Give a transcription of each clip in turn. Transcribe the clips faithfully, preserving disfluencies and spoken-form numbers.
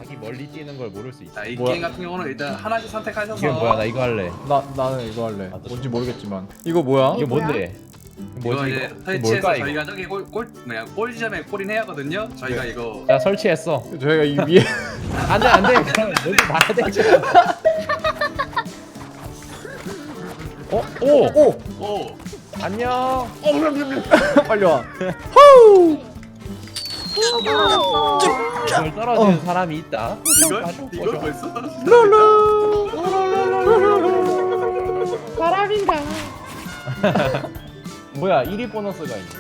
이 멀리 뛰는 걸 모를 수 있어. 자, 이 뭐야? 게임 같은 경우는 일단 하나씩 선택하셔서. 이게 뭐야? 나 이거 할래. 나 나는 이거 할래. 아, 너 뭔지 모르겠지만. 이거 뭐야? 이게 뭐야? 뭔데? 이거 뭐지 이제 이거? 이거 설치해서 뭘까 이거? 저희가 저기 골, 골 뭐냐 골 지점에 골인 해야 하거든요. 저희가 네. 이거 자 설치했어. 저희가 이 위에 안돼 안돼. 그럼 너도 봐야 되지. 어? 오! 오! 오 안녕. 빨리 와. 이걸 떨어지는 사람이 있다. 이걸 가지고 이걸 보셔. 벌써 사람인가? 뭐야 일 위 보너스가 있네.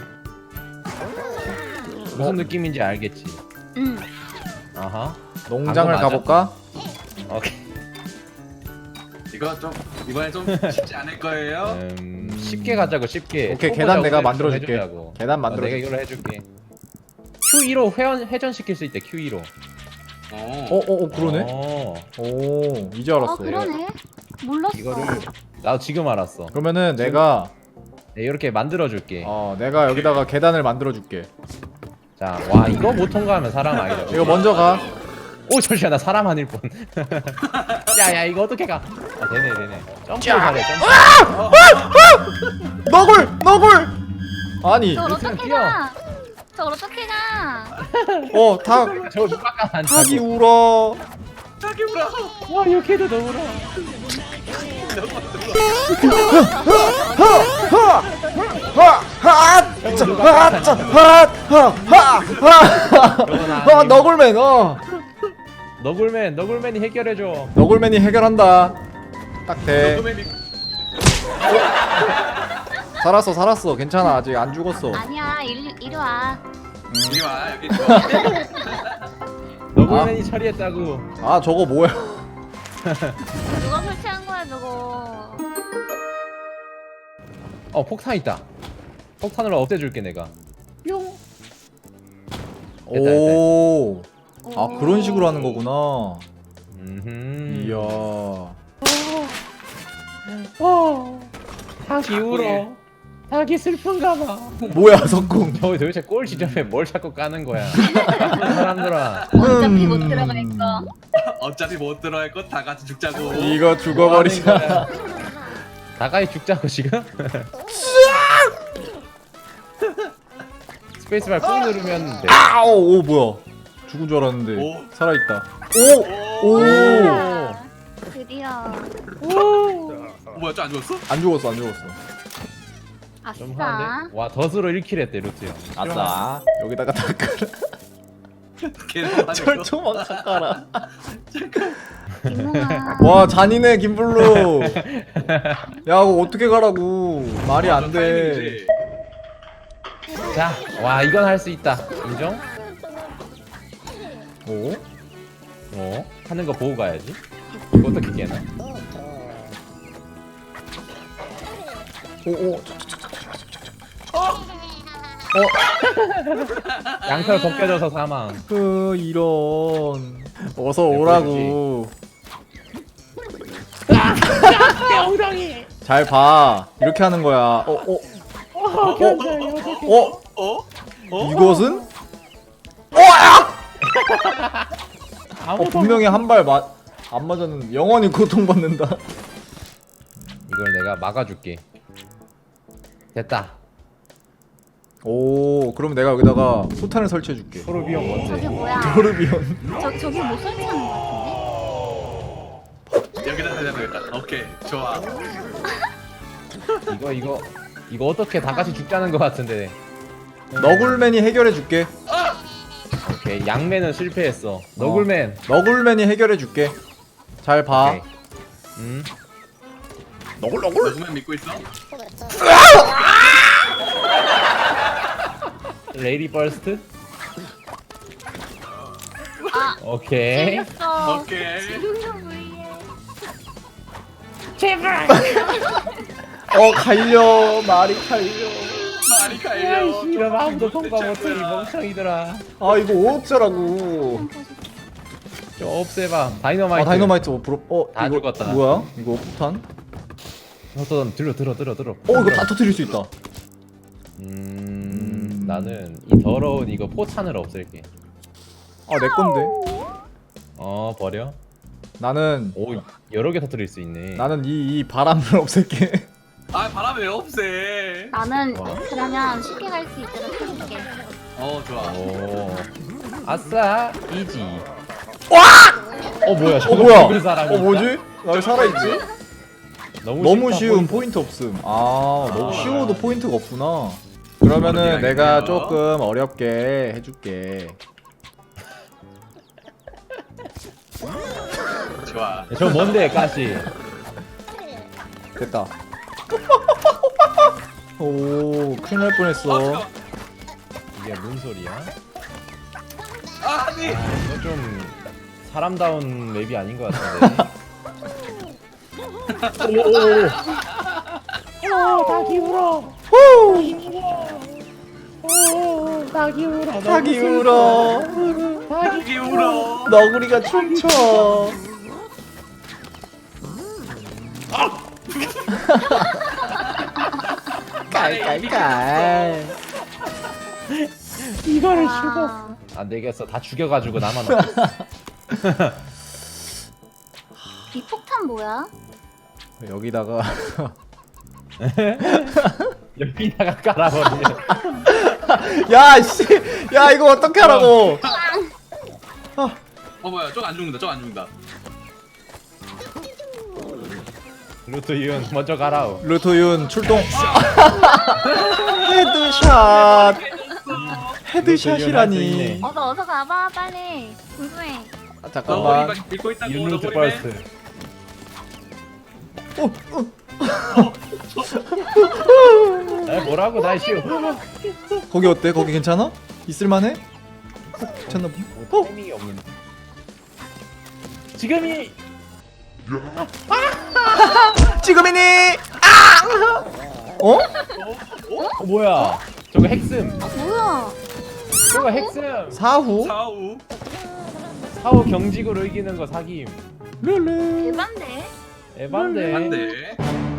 무슨 느낌인지 알겠지? 응. 아하. 농장을 맞아? 가볼까? 오케이. 이거 좀 이번에 좀 쉽지 않을 거예요. 음, 쉽게 가자고 쉽게. 오케이, 초보자 계단 내가 우회전 만들어줄게. 해주자고. 계단 어, 만들어줄게. 내가 이걸로 해줄게. 큐 이로 회원 회전 시킬 수 있대. 큐 이로. 어. 어, 어, 어, 그러네. 어, 오, 이제 아 알았어. 그러네. 몰랐어. 이거를 나도 지금 알았어. 그러면은 내가 네, 이렇게 만들어 줄게. 어, 내가 여기다가 계단을 만들어 줄게. 자, 와 이거 못 통과하면 사람 아니다. 이거 먼저 가. 오 잠시만 나 사람 아닐 뻔. 야야 이거 어떻게 가? 아 되네 되네. 점프 잘해 점프. 너굴, 너굴. 아니, 저걸 루트는 어떻게 뛰어. 가? 저걸 어떻게 가? 어, 닭, 저거 누가 까면 안 닭이 타고. 울어. 자기 브라. 와 이렇게도 너무 울어. 하, 하, 하, 자, 하, 자, 하, 하, 하, 하. 아, 너굴맨, 어. 너굴맨 너굴맨이 해결해줘. 너굴맨이 해결한다. 딱 돼. 녹음에 살았어, 살았어. 괜찮아. 아직 안 죽었어. 아니야 이리 이리 와. 이리 와 여기 좋아. 너굴맨이 처리했다고. 아, 저거 뭐야? 누가 설치한 거야 저거? 어 폭탄 있다. 폭탄으로 없애줄게 내가. 뿅. 됐다, 오. 아, 오. 그런 식으로 하는 거구나. 음. 이야. 어. 닭이 울어. 닭이 슬픈가 봐. 뭐야, 석궁. 저 도대체 꼴 지점에 뭘 자꾸 까는 거야? 사람들아. 어차피 못 음. 들어갈 거. 어차피 못 들어갈 거 다 같이 죽자고. 이거 죽어버리자. 뭐 하는 거야? 다가이 죽자고 지금? 스페이스바 꾹 누르면 돼. 아우, 오, 뭐야. 죽은 줄 알았는데 오. 살아있다. 오! 오. 오! 아, 드디어. 어, 뭐야 저 안 죽었어? 안 죽었어, 안 죽었어. 좀 아싸. 하는데? 와 덫으로 일 킬 했대 루트 형. 아싸. 여기다가 다 깔아. 걔는 철조망 다 깔아. 김웅아. 와, 잔인해, 김블루. 야, 이거 어떻게 가라고. 말이 안 돼. 자, 와 이건 할 수 있다. 인정? 오? 어? 하는 거 보고 가야지. 이거 어떻게 깨나? 오, 오. 양털 벗겨져서 사망. 그, 이런. 어서 오라고. 엉덩이. 잘 봐. 이렇게 하는 거야. 어, 어, 어? 어? 어? 이것은? 어, 분명히 한 발 맞, 안 맞았는데 영원히 고통받는다. 이걸 내가 막아줄게. 됐다. 오, 그럼 내가 여기다가 포탄을 설치해줄게. 토르비온 뭔데? 저게 뭐야? 도르비온. 저 저기 못 설치하는 거 같은데? 여기다 대자 되겠다. 오케이 좋아. 이거 이거 이거 어떻게 다 같이 죽자는 거 같은데. 너굴맨이 해결해줄게. 오케이 양맨은 실패했어. 너굴맨. 너굴맨이 해결해줄게. 잘 봐. 오케이. 음. 너굴 너굴. 녹음에 믿고 있어? 레이디 버스트. 아. 오케이. 재밌어. 오케이. 지금도 위해. 제발. 어, 갈려. 말이 갈려. 말이 갈려. 이런 마음도 통과 못해 이 멍청이들아. 아, 이거 어쩌라고. 저 없애봐. 다이너마이트. 아, 다이너마이트 뭐 부럽. 어, 다 이거 죽었다. 뭐야? 이거 포탄? 어떤 들어 들어 들어 들어. 어, 이거 다 터뜨릴 수 있다. 음 나는 이 더러운 이거 포탄을 없앨게. 아, 내 건데. 어 버려. 나는 오 여러 개 터뜨릴 수 있네. 나는 이, 이 바람을 없앨게. 아 바람 왜 없애? 나는 어. 그러면 쉽게 갈 수 있도록 해줄게. 어 좋아. 오 아싸 이지. 와! 어 뭐야? 어 뭐야? 죽을 사람이 어 뭐지? 나 왜 살아있지? 너무, 너무 쉽다, 쉬운 포인트. 포인트 없음. 아 너무 아. 쉬워도 포인트가 없구나. 그러면은 어렵게 내가 하겠네요. 조금 어렵게 해줄게. 좋아. 저 뭔데 가시? 됐다. 오 큰일 날 어, 뻔했어. 잠깐만. 이게 뭔 소리야? 아, 아니. 이거 좀 사람다운 맵이 아닌 것 같은데. 오오오. 오 닭이 울어. 오 닭이 울어. 닭이 울어. 닭이 울어. 너구리가 춤춰. 깔깔깔. 이거를 아, 안 되겠어. 다 죽여가지고 나만 없어. 비폭탄 뭐야? 여기다가 여기다가 깔아버리면. 야 씨, 야 이거 어떻게 하라고? 어 뭐야? 저안 죽는다. 저안 죽는다. 루트 이은 먼저 가라오. 루토윤 출동. 헤드샷. 헤드샷이라니. 어서 어서 가봐 빨리. 궁금해. 아, 어, 잠깐만. 이거 읽고 있다고. 윤루트 너구리 버스트. 어, 어. 에 뭐라고 날씨오. 거기 어때? 거기 괜찮아? 있을만해? 괜찮나 보네. 뭐 타이밍이 없는데. 지금이 지금이니? 아! 어? 어, 뭐야? 저거 핵슴. 아 뭐야? 저거 핵슴. 사후? 사우. 사후 경직으로 이기는 거 사김. 룰루. 대반데? 에반데. 안돼.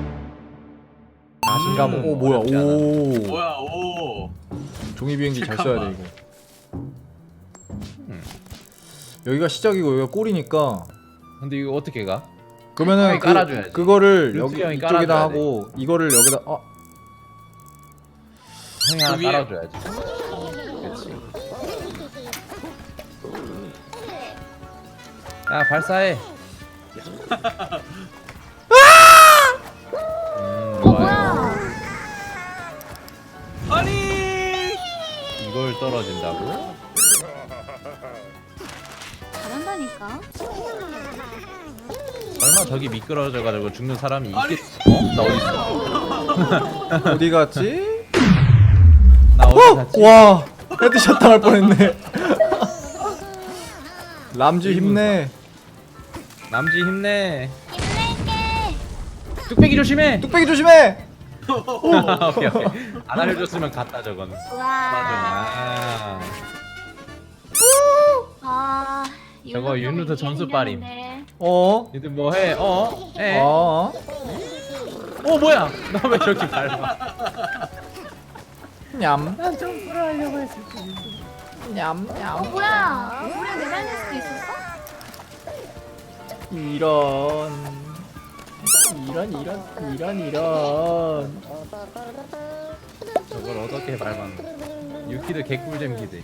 자신감. 음, 오 뭐야? 어렵지 않아. 오. 뭐야? 오. 종이 비행기 잘 써야 돼 잠깐만. 이거. 음. 여기가 시작이고 여기가 꼴이니까. 근데 이거 어떻게 가? 그러면은 형이 그, 깔아줘야지. 그거를 루트 여기 형이 이쪽에다 깔아줘야 하고 이거를 여기다. 어. 형이 하나 그 위에- 깔아줘야지. 그렇지. 야 발사해. 음, 어 좋아요. 뭐야? 아니. 이걸 떨어진다고? 잘한다니까. 설마 저기 미끄러져가지고 죽는 사람이 아니. 있겠? 어? 나 어디 있어? 어디 갔지? 나 어디 어! 갔지? 와 헤드샷 당할 뻔했네. 람쥐 힘내. 남지 힘내. 힘낼게. 뚝배기 조심해. 뚝배기 조심해. 오케이 오케이. 안 알려줬으면 갔다 저건. 우와. 아. 아. 저거 이거 윤루트 이기기 점수 빨임. 힘드는데. 어? 얘들 뭐 해? 어? 해? 어? 어 뭐야? 나 왜 저렇게 밟아? 냠. 난 점프를 하려고 했을 냠. 어 냠. 뭐야? 우리 내달릴 수도 있었어? 이런. 이런 이런 이런 이런. 저걸 어떻게 밟았노? 유키드 개꿀잼 기대.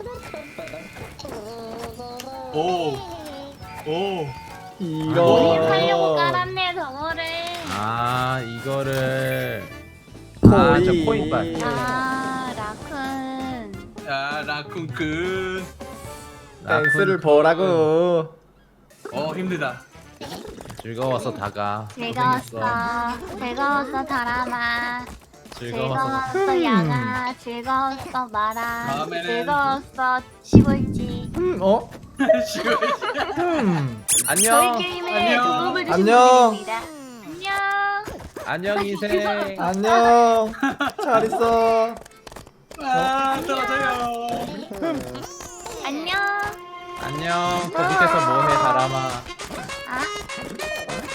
오. 오. 하려고 이런. 깔았네 저거를. 아 이거를. 아 저 코인발. 아 라쿤. 야 라쿤쿤. 땡스를 보라고. 어 힘들다. 즐거워서 다가. 즐거웠어. 즐거웠어 다람아. 즐거워서. 즐거웠어 양아. 즐거웠어 마라. 다음에는- 즐거웠어 시골지. 음 어? 지금. 음. 안녕. 저희 게임에 안녕. 도움을 주신 안녕. 분들입니다. 안녕. 안녕 인생. 안녕. 잘 있어. 아 떨어져요. 안녕. 안녕. 그 밑에서 뭐해 사람아. 아